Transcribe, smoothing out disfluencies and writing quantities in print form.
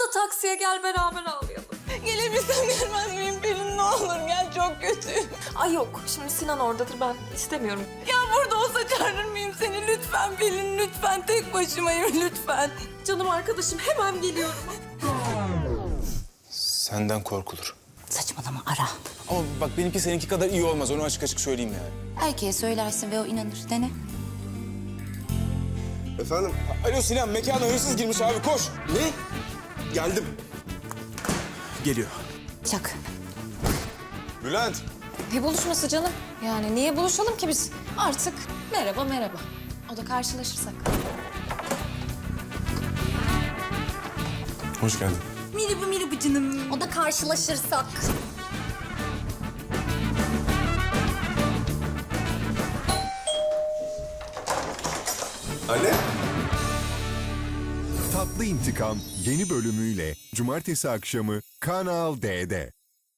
Atla taksiye gel beraber ağlayalım. Gelebilsem gelmez miyim Pelin, ne olur gel, çok kötüyüm. Ay yok şimdi Sinan oradadır ben istemiyorum. Ya burada olsa çağırır mıyım seni? Lütfen Pelin, lütfen, tek başımayım lütfen. Canım arkadaşım hemen geliyorum. Senden korkulur. Saçmalama, ara. Ama bak benimki seninki kadar iyi olmaz. Onu açık açık söyleyeyim yani. Erkeğe söylersin ve o inanır. Dene. Efendim? Alo Sinan, mekana hırsız girmiş abi. Koş. Ne? Geldim. Geliyor. Çak. Bülent. Ne buluşması canım? Yani niye buluşalım ki biz? Artık merhaba merhaba. O da karşılaşırsak. Hoş geldin. Merhaba canım. O da karşılaşırsak. Anne? Tatlı İntikam yeni bölümüyle cumartesi akşamı Kanal D'de.